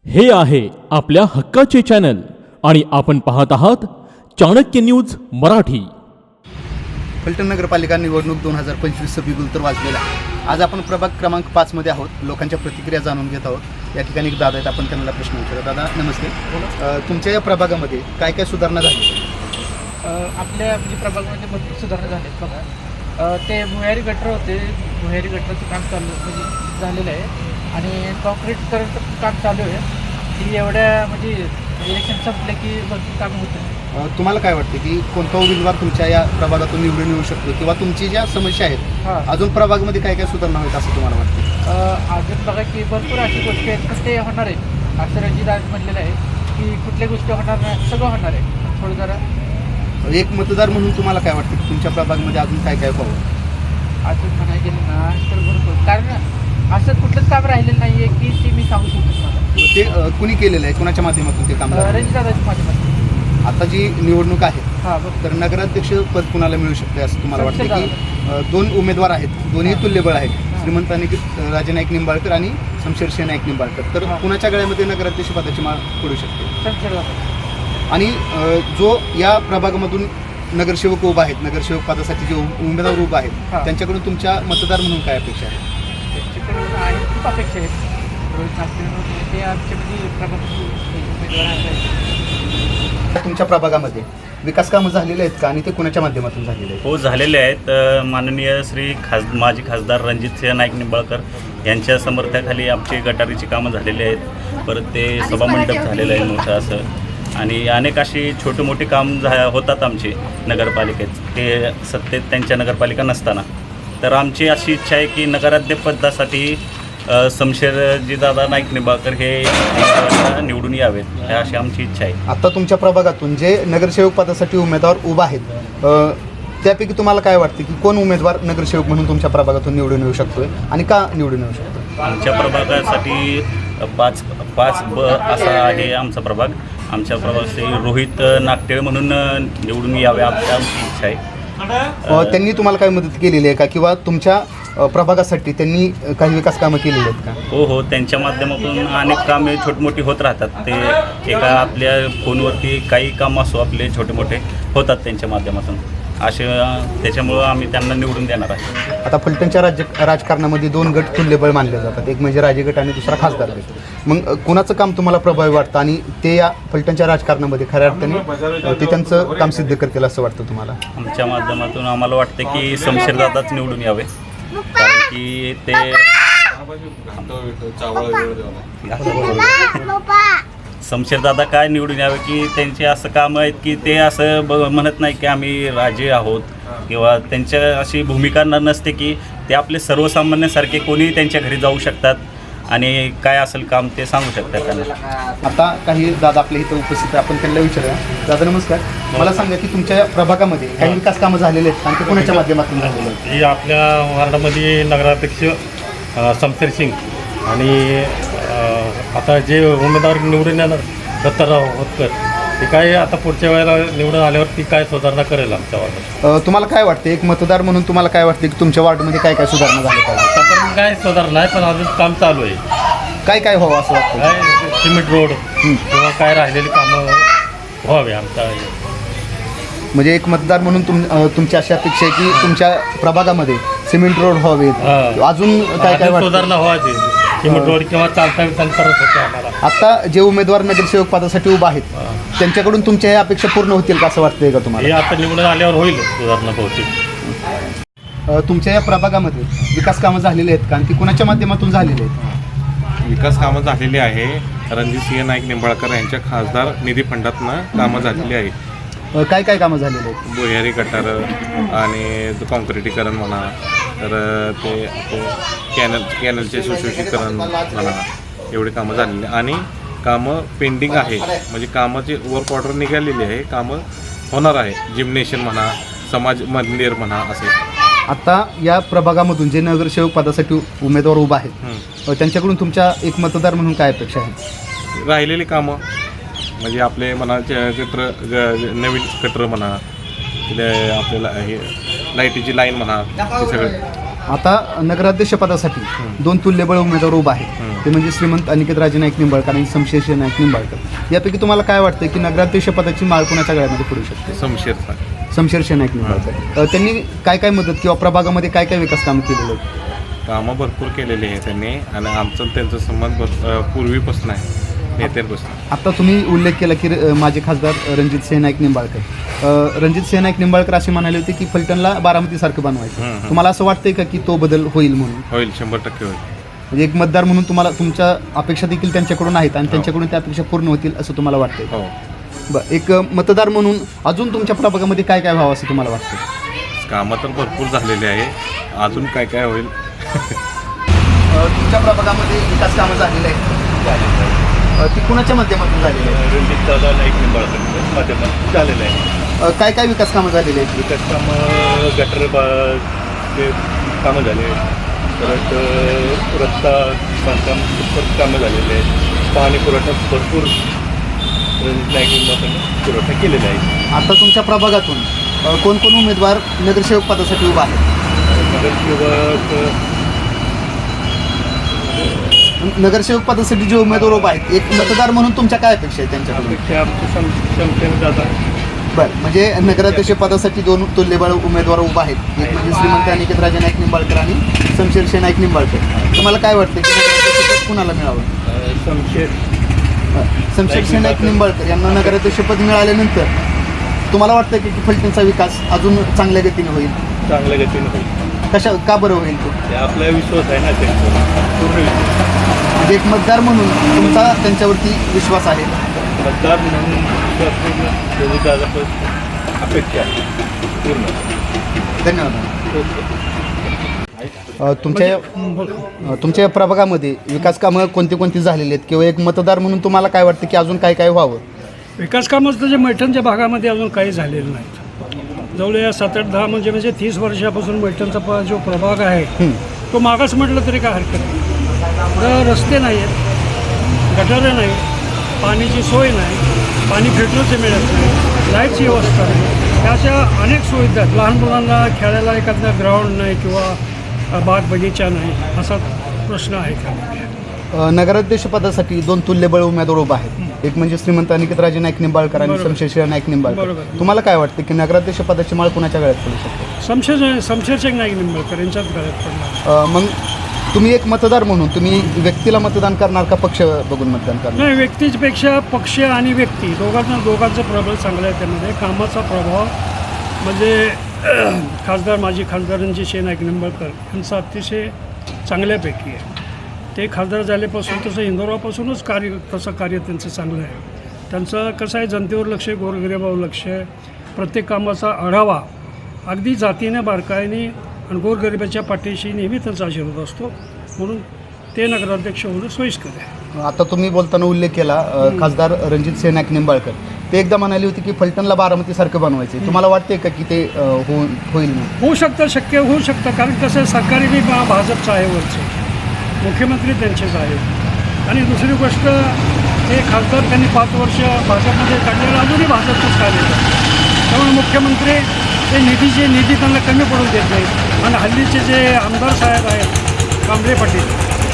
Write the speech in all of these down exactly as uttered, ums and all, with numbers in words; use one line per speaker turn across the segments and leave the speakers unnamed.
हे आहे आपल्या हक्काचे चॅनल आणि आपण पाहत आहात चाणक्य न्यूज मराठी।
फलटण नगरपालिका निवडणूक दोन हजार पंचवीसचं बिगुल तर वाजलेला आहे। आज आपण प्रभाग क्रमांक पाच मध्ये आहोत। लोकांच्या प्रतिक्रिया जाणून घेत आहोत। या ठिकाणी एक दादा आहेत, आपण त्यांना प्रश्न विचारू। दादा नमस्ते। अ, तुमच्या या प्रभागामध्ये काय काय सुधारणा झाली?
आपल्या म्हणजे प्रभागामध्ये भरपूर सुधारणा झाल्यात बघा। अ, ते भुयारी गटर होते, भुयारी गटरचं काम चालू म्हणजे झालेलं आहे आणि कॉन्क्रीट करायचं काम चालू आहे। ती एवढ्या म्हणजे इलेक्शन संपले की भरपूर काम होतं।
अ, तुम्हाला काय वाटते की कोणता उमेदवार तुमच्या या प्रभागातून निवडून येऊ शकतो किंवा तुमची ज्या समस्या आहेत
हां
अजून प्रभागामध्ये काय काय सुधारणा होईल असं तुम्हाला वाटतं?
अजून बघा की भरपूर अशा गोष्टी आहेत पण ते होणार आहे। असं रणजित आज म्हणलेलं आहे की कुठल्या गोष्टी होणार नाही, सगळं होणार आहे। थोडं जरा
एक मतदार म्हणून तुम्हाला काय वाटतं की तुमच्या प्रभागामध्ये अजून काय काय व्हावं?
अजून म्हणायला गेलं ना तर भरपूर, कारण असं कुठलंच काम राहिलेलं नाही आहे की ते मी सांगू शकतो मला।
ते अ, कुणी केलेलं आहे, कुणाच्या माध्यमातून ते काम झालं?
रणजितदादाच्या माध्यमातून।
आता जी निवडणूक आहे
हां बघ
तर नगराध्यक्ष पद कुणाला मिळू शकते असं तुम्हाला वाटतं की अ, दोन उमेदवार आहेत, दोन्ही तुल्यबळ आहेत, श्रीमंत आणि राजे नाईक निंबाळकर आणि शमशेर नाईक निंबाळकर, तर कुणाच्या गळ्यामध्ये नगराध्यक्ष पदाची माळ पडू शकते?
शमशेरदादा।
आणि अ, जो या प्रभागामधून नगरसेवक उभा आहेत, नगरसेवक पदासाठी जे उ- उमेदवार उभा आहेत
हां.
त्यांच्याकडून तुमच्या मतदार म्हणून काय अपेक्षा आहे?
त्यांच्याकडून आहेत खूप अपेक्षा आहेत। रोहित नागपूर ते आमचे म्हणजे प्रभागाचे उमेदवार आहेत।
तुमच्या प्रभागामध्ये विकास कामं झालेले आहेत का आणि ते कुणाच्या माध्यमातून झालेले आहेत?
हो, झालेले आहेत। अ, माननीय श्री खास माजी खासदार रणजितसिंह नाईक निंबाळकर यांच्या समर्थनाखाली आमची गटारीची कामं झालेली आहेत। परत ते सभामंडप झालेलं आहे मोठं असं, आणि अनेक अशी छोटी मोठी काम झा होतात आमची नगरपालिकेत, ते सत्तेत त्यांच्या नगरपालिका नसताना। तर आमची अशी इच्छा आहे की नगराध्यक्षपदासाठी अ, शमशेरजी दादा नाईक निंबाळकर हे निवडून यावेत, ही अशी आमची इच्छा आहे।
आता तुमच्या प्रभागातून जे नगरसेवक पदासाठी उमेदवार उभा आहेत अ, त्यापैकी तुम्हाला काय वाटते की कोण उमेदवार नगरसेवक म्हणून तुमच्या प्रभागातून निवडून येऊ शकतोय आणि का निवडून येऊ शकतो?
आमच्या प्रभागासाठी पाच पाच ब असा आहे आमचा प्रभाग। आमच्या प्रभागासाठी रोहित नागटेळ म्हणून निवडून यावे आमची आमची इच्छा आहे।
अ, त्यांनी तुम्हाला काय मदत केलेली आहे का किंवा तुमच्या अ, प्रभागासाठी त्यांनी अ, काही विकास कामं केलेली आहेत का?
हो हो, त्यांच्या माध्यमातून अनेक कामे छोटी मोठी होत राहतात। ते एका आपल्या फोनवरती काही काम असो आपले छोटे मोठे होतात त्यांच्या माध्यमातून, असे त्याच्यामुळं आम्ही त्यांना निवडून देणार आहे।
आता फलटणच्या राज्य राजकारणामध्ये दोन गट तुल्यबळ मानले जातात, एक म्हणजे राजे गट आणि दुसरा खासदार गट। मग अ, कुणाचं काम तुम्हाला प्रभावी वाटतं आणि ते या फलटणच्या राजकारणामध्ये खऱ्या अर्थाने अ, ते त्यांचं काम सिद्ध करतील असं वाटतं तुम्हाला?
आमच्या माध्यमातून आम्हाला वाटतं की शमशेरदादाच निवडून यावे, कारण की ते शमशेरदादा काय निवडून यावे की त्यांचे असं कामं आहेत की ते असं ब म्हणत नाही की आम्ही राजे आहोत, किंवा त्यांच्या अशी भूमिका न नसते की ते आपले सर्वसामान्यासारखे कोणीही त्यांच्या घरी जाऊ शकतात आणि काय असेल काम ते सांगू शकतात त्यांना।
आता काही दादा आपल्या इथं उपस्थित आहे, आपण त्यांना विचारूया। दादा नमस्कार, मला सांगा की तुमच्या प्रभागामध्ये काही विकास कामं झालेले आहेत आणि ते कोणाच्या माध्यमातून झालेले आहेत?
ही आपल्या वार्डामध्ये नगराध्यक्ष अ, शमशेर सिंग आणि अ, आता जे उमेदवार निवडून येणार दत्ताराव होतकर, ते काय आता पुढच्या वेळेला निवडून आल्यावर ती काय सुधारणा करेल आमच्या वार्डात।
अ, तुम्हाला काय वाटते, एक मतदार म्हणून तुम्हाला काय वाटते की तुमच्या वार्डमध्ये काय काय सुधारणा झाल्या पाहिजे?
आतापर्यंत काय सुधारणा नाही, पण अजून काम चालू आहे।
काय काय व्हावं असं वाटतं?
काय सिमेंट रोड किंवा काय राहिलेली कामं व्हावे आमच्या।
म्हणजे एक मतदार म्हणून तुम अ, तुमची अशी अपेक्षा आहे की तुमच्या प्रभागामध्ये सिमेंट रोड व्हावेत,
हां.
अजून काय काय
अजून
वाटतं?
सुधारणा व्हावी, सिमेंट रोड किंवा चालता विचार करत होते आम्हाला।
आता जे उमेदवार नगरसेवक पदासाठी उभा आहेत त्यांच्याकडून तुमच्या ह्या अपेक्षा पूर्ण होतील का असं वाटतंय का
हे
तुम्हाला?
आता निवडून आल्यावर होईल सुधारणा बहुतेक।
अ, तुमच्या या प्रभागामध्ये विकास कामं झालेली आहेत का आणि ती कुणाच्या माध्यमातून झालेली आहेत?
विकास कामं झालेली आहे। रणजितसिंह नाईक निंबाळकर यांच्या खासदार निधी फंडातनं कामं झालेली आहे।
अ, काय काय कामं झालेली आहेत?
भुयारी गटार आणि कॉन्क्रिटीकरण म्हणा, तर ते ते कॅनल कॅनलचे सुशोषीकरण म्हणा, एवढी कामं झालेली आणि कामं पेंडिंग आहे, म्हणजे कामाची वर्क ऑर्डर निघालेली आहे, कामं होणार आहे। जिम्नेशियम म्हणा, समाज मंदिर म्हणा, असे।
आता या प्रभागामधून जे नगरसेवक पदासाठी उमेदवार उभा आहेत
हं.
अ, त्यांच्याकडून तुमच्या एक मतदार म्हणून काय अपेक्षा आहे?
राहिलेली कामं म्हणजे आपले म्हणा गटर ग- नवीन गटर म्हणा, आपल्याला हे लाईटीची लाईन म्हणा, हे सगळं
आता नगराध्यक्षपदासाठी दोन तुल्यबळ उमेदवार उभा आहेत, ते म्हणजे श्रीमंत अनिकेत राजे नाईक निंबाळकर आणि शमशेर नाईक निंबाळकर. यापैकी तुम्हाला काय वाटतं की नगराध्यक्षपदाची माळ कोणाच्या गळ्यामध्ये पडू शकते?
समशेरचा
शमशेर नाईक निंबाळकर. अ, त्यांनी काय काय मदत किंवा प्रभागामध्ये काय काय विकास कामं केलेले आहेत?
कामं भरपूर केलेली आहे त्यांनी आणि आमचं आणि त्यांचा संबंध भर- अ, पूर्वीपासून आहे, नेत्यांपासून.
आता तुम्ही उल्लेख केला की अ, माजी खासदार रणजित सिंह नाईक निंबाळकर. अ, रणजित सिंह नाईक निंबाळकर असे म्हणाले होते की फलटणला बारामतीसारखं बनवायचं.
हं, हं.
तुम्हाला असं वाटतंय का की तो बदल होईल म्हणून?
होईल, शंभर टक्के होईल.
म्हणजे एक मतदार म्हणून तुम्हाला तुमच्या अपेक्षा देखील त्यांच्याकडून आहेत आणि त्यांच्याकडून त्या अपेक्षा पूर्ण होतील असं तुम्हाला वाटतंय?
हो.
बरं, एक अ, मतदार म्हणून अजून तुमच्या प्रभागामध्ये काय काय व्हावं असं तुम्हाला वाटतं?
कामं तर भरपूर झालेली आहे, अजून काय काय होईल.
तुमच्या प्रभागामध्ये विकास कामं झालेली आहेत, ती कुणाच्या माध्यमातून झालेली आहे?
रणजित दादा नाईक निंबाळकर माध्यमात झालेलं आहे.
अ, काय काय विकास कामं झालेली आहेत?
विकास कामं गटर ते कामं झाले, परत अ, रस्ता बांधकाम परत कामं झालेले आहेत. पाणी पुरवठा भरपूर रणजित नाईक निंबाळकर पुरवठा केलेला आहे.
आता तुमच्या प्रभागातून अ, कोण कोण उमेदवार नगरसेवक पदासाठी उभा आहेत?
नगरसेवक
नगरसेवक पदासाठी जे उमेदवार उभा आहेत, एक मतदार म्हणून तुमच्या काय अपेक्षा आहे त्यांच्याकडून?
अपेक्षा आमचे सम शमशेर दादा
बरं, म्हणजे नगराध्यक्ष पदासाठी दोन तुल्यबळ उमेदवार उभा आहेत, एक म्हणजे श्रीमंत अनिकेत राजे नाईक निंबाळकर आणि शमशेर नाईक निंबाळकर. तुम्हाला काय वाटतं की नगराध्यक्षपद कुणाला मिळावं?
शमशेर
शमशेर नाईक निंबाळकर यांना नगराध्यक्षपद मिळाल्यानंतर तुम्हाला वाटतं की फलटणचा विकास अजून चांगल्या गतीने होईल?
चांगल्या गतीनं होईल.
कशा का बरं होईल तो?
ते आपला विश्वास आहे ना त्यांचा पूर्ण विश्वास.
म्हणजे एक मतदार म्हणून तुमचा त्यांच्यावरती विश्वास आहे?
मतदार म्हणून विश्वास पूर्ण रणजित दादा अपेक्षा आहे पूर्ण.
धन्यवाद. अ, तुमच्या अ, तुमच्या या प्रभागामध्ये विकास कामं कोणती कोणती झालेली आहेत किंवा एक मतदार म्हणून तुम्हाला काय वाटतं की अजून काय काय व्हावं?
विकास कामं तर जे मैठणच्या भागामध्ये अजून काही झालेलं नाहीत. जवळ या सात आठ दहा म्हणजे म्हणजे तीस वर्षापासून मैठणचा प जो प्रभाग आहे तो मागास म्हटलं तरी काय हरकत नाही. पुढं रस्ते नाही आहेत, गटारं नाही, पाण्याची सोय नाही, पाणी फिल्टरचं मिळत नाही, लाईटची व्यवस्था नाही, त्या अशा अनेक सुविधा आहेत. लहान मुलांना खेळायला एखादा ग्राउंड नाही किंवा बाग बगीचा नाही, असा प्रश्न आहे त्यामध्ये.
अ, नगराध्यक्ष पदासाठी दोन तुल्यबळ उमेदवार उभा आहेत, एक म्हणजे श्रीमंत अनिकेत राजे नाईक निंबाळकर आणि
बरोबर.
शमशेर नाईक निंबाळकर.
बरोबर.
तुम्हाला काय वाटतं की नगराध्यक्ष पदाची माळ कुणाच्या गळ्यात पडू शकते?
शमशेर शमशेर नाईक निंबाळकर यांच्याच गळ्यात पडणार.
अ, मग तुम्ही एक मतदार म्हणून तुम्ही व्यक्तीला मतदान करणार का पक्ष बघून मतदान करणार?
नाही, व्यक्तीपेक्षा पक्ष आणि व्यक्ती दोघांना दोघांचं प्रबळ चांगलं आहे. त्यामध्ये कामाचा प्रभाव म्हणजे खासदार माजी खासदार रणजित नाईक निंबाळकर यांचा अतिशय चांगल्यापैकी आहे. ते खासदार झाल्यापासून तसं इंदोरापासूनच कार्य तसं कार्य त्यांचं चांगलं आहे. त्यांचं कसं आहे, जनतेवर लक्ष आहे, गोरगरिबावर लक्ष आहे, प्रत्येक कामाचा आढावा अगदी जातीने बारकाईने आणि गोरगरिबाच्या पाठीशी नेहमी त्यांचा आशीर्वाद असतो, म्हणून ते नगराध्यक्ष होणं सोयीस्कर आहे.
आता तुम्ही बोलताना उल्लेख केला अ, खासदार रणजित सिंह नाईक निंबाळकर, ते एकदा म्हणाले होते की फलटणला बारामतीसारखं बनवायचं. तुम्हाला वाटते का की ते अ, हो होईल म्हणून?
होऊ शकतं, शक्य होऊ शकतं, कारण कसं आहे, सरकारी बी भा- भाजपचं आहे, वरचं मुख्यमंत्री त्यांचेच आहेत. आणि दुसरी गोष्ट, ते खासदार त्यांनी पाच वर्ष भाजपमध्ये काढलेलं अजूनही भाजपचंच कार्य करतात. त्यामुळे मुख्यमंत्री ते निधीचे निधी त्यांना कमी पडून देत नाहीत. आणि हल्लीचे जे आमदार साहेब आहेत, कांबळे पाटील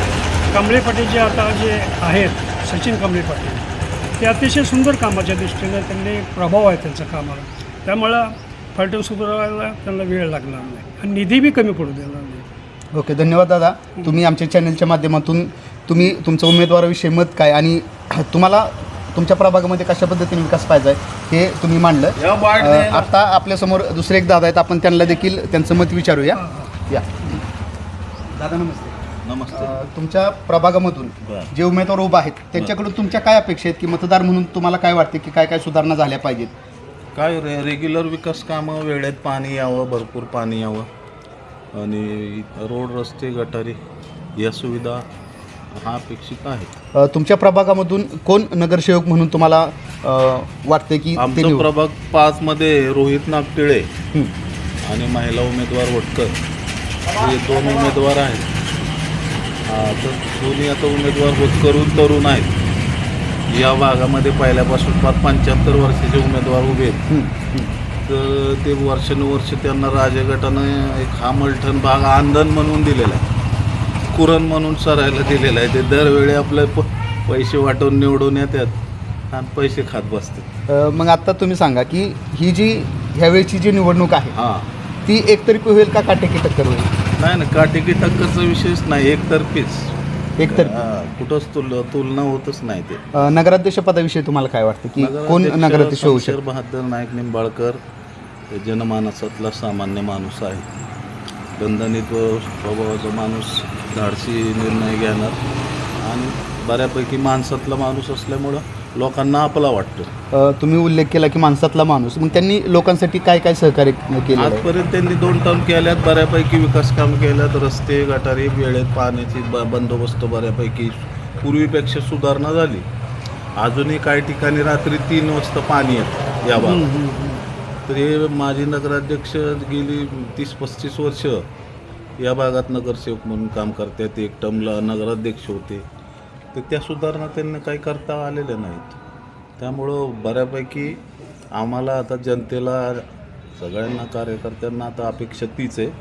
कांबळे पाटील जे आता जे आहेत, सचिन कांबळे पाटील, ते अतिशय सुंदर कामाच्या दृष्टीनं त्यांनी प्रभाव आहे त्यांच्या कामाला. त्यामुळं फलटण सुधारायला त्यांना वेळ लागणार नाही आणि निधी बी कमी पडू देणार नाही.
ओके, धन्यवाद दादा. तुम्ही आमच्या चॅनलच्या माध्यमातून तुम्ही तुमचं उमेदवाराविषयी मत काय आणि तुम्हाला तुमच्या प्रभागामध्ये कशा पद्धतीने विकास पाहिजे हे तुम्ही मांडलं. अ, आता आपल्यासमोर दुसरे एक दादा आहेत, आपण त्यांना देखील त्यांचं मत विचारूया. या दादा, नमस्ते.
नमस्ते.
अ, तुमच्या प्रभागामधून जे उमेदवार उभा आहेत त्यांच्याकडून तुमच्या काय अपेक्षा आहेत की मतदार म्हणून तुम्हाला काय वाटते की काय काय सुधारणा झाल्या पाहिजेत?
काय रे रेग्युलर विकास कामं, वेळेत पाणी यावं, भरपूर पाणी यावं आणि रोड, रस्ते, गटारी या सुविधा हा अपेक्षित आहे.
अ, तुमच्या प्रभागामधून कोण नगरसेवक म्हणून तुम्हाला अ, वाटते की ते
आमचा
निवड-
प्रभाग पाचमध्ये रोहित नागटिळे
हं.
आणि महिला उमेदवार वटकर हे दोन उमेदवार आहेत. हा, तर दोन्ही आता उमेदवार होतकरून तरुण आहेत. या भागामध्ये पहिल्यापासून पाच पंच्याहत्तर वर्षाचे उमेदवार उभे आहेत.
हं, हं.
तर ते वर्षानुवर्ष त्यांना राजगटानं एक हा मलठण भाग आंदण म्हणून दिलेला आहे, कुरण म्हणून सरायला दिलेला आहे. ते दरवेळी आपले प पैसे वाटून निवडून येतात आणि पैसे खात बसतात.
अ, मग आता तुम्ही सांगा की ही जी ह्यावेळची जी निवडणूक आहे
हां
ती एकतर्फी होईल का काटेकी टक्कर होईल?
नाही ना, काटेकी टक्करचा विषयच नाही, एकतर्फीच.
एकतर्फी.
हां, कुठंच तुल तुलना होतच नाही ते.
अ, नगराध्यक्ष पदाविषयी तुम्हाला काय वाटतं की कोण नगराध्यक्ष होऊ
शमशेर
शकतो?
बहादर नाईक निंबाळकर हे जनमानसातला सामान्य माणूस आहे, दणदणीत स्वभावाचा माणूस, धाडसी निर्णय घेणार आणि बऱ्यापैकी माणसातला माणूस असल्यामुळं लोकांना आपला वाटतो.
अ, तुम्ही उल्लेख केला की माणसातला माणूस, मग त्यांनी लोकांसाठी काय काय सहकार्य केलं आहे?
आजपर्यंत त्यांनी दोन टर्म केल्यात, बऱ्यापैकी विकास काम केल्यात, रस्ते गटारी वेळेत पाण्याची ब बंदोबस्त बऱ्यापैकी पूर्वीपेक्षा सुधारणा झाली. अजूनही काही ठिकाणी रात्री तीन वाजता पाणी येतं या भागात. तर हे माजी नगराध्यक्ष गेली तीस पस्तीस वर्ष या भागात नगरसेवक म्हणून काम करतात, एक टर्मला नगराध्यक्ष होते. तर त्या सुधारणा त्यांना काही करता आलेल्या नाहीत. त्यामुळं बऱ्यापैकी आम्हाला आता जनतेला, सगळ्यांना, कार्यकर्त्यांना आता अपेक्षा तीच आहे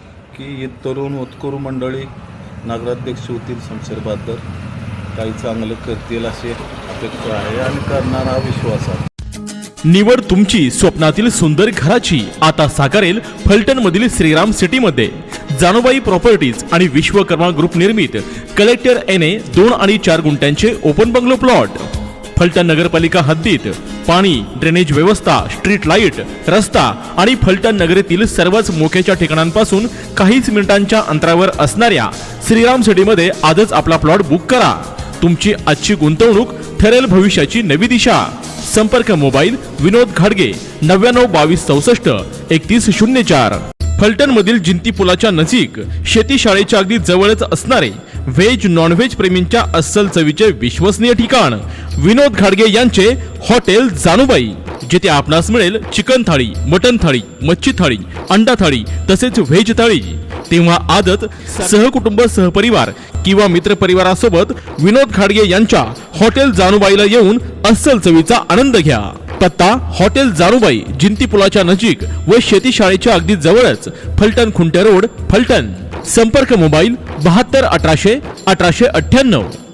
की ही तरुण होतकरू मंडळी नगराध्यक्ष होतील, शमशेर बहादर काही चांगलं करतील अशी अपेक्षा आहे आणि करणार हा विश्वास आहे.
निवड तुमची स्वप्नातील सुंदर घराची आता साकारेल फलटण मधील श्रीराम सिटी मध्ये. जानुबाई प्रॉपर्टीज आणि विश्वकर्मा ग्रुप निर्मित कलेक्टर एन ए दोन आणि चार गुंठ्यांचे ओपन बंगलो प्लॉट. फलटण नगरपालिका हद्दीत पाणी, ड्रेनेज व्यवस्था, स्ट्रीट लाईट, रस्ता आणि फलटण नगरीतील सर्वच मोक्याच्या ठिकाणांपासून काहीच मिनिटांच्या अंतरावर असणाऱ्या श्रीराम सिटीमध्ये आजच आपला प्लॉट बुक करा. तुमची आजची गुंतवणूक ठरेल भविष्याची नवी दिशा. संपर्क मोबाईल विनोद घाडगे नव्याण्णव बावीस चौसष्ट एकतीस शून्य चार. फलटण मधील जिंती पुलाच्या नजीक शेती शाळेच्या अगदी जवळच असणारे व्हेज नॉन व्हेज प्रेमींच्या अस्सल चवीचे विश्वसनीय ठिकाण विनोद घाडगे यांचे हॉटेल जानुबाई, जिथे आपणास मिळेल चिकन थाळी, मटन थाळी, मच्छी थाळी, अंडा थाळी तसेच व्हेज थाळी. तेव्हा आजच सहकुटुंब, सहपरिवार किंवा मित्रपरिवारासोबत विनोद घाडगे यांच्या हॉटेल जानुबाईला येऊन अस्सल चवीचा आनंद घ्या. पत्ता हॉटेल जानुबाई, जिंती पुलाच्या नजीक व शेती शाळेच्या अगदी जवळच, फलटण खुंटे रोड, फलटण. संपर्क मोबाईल बहात्तर अठराशे अठराशे अठ्ठ्याण्णव.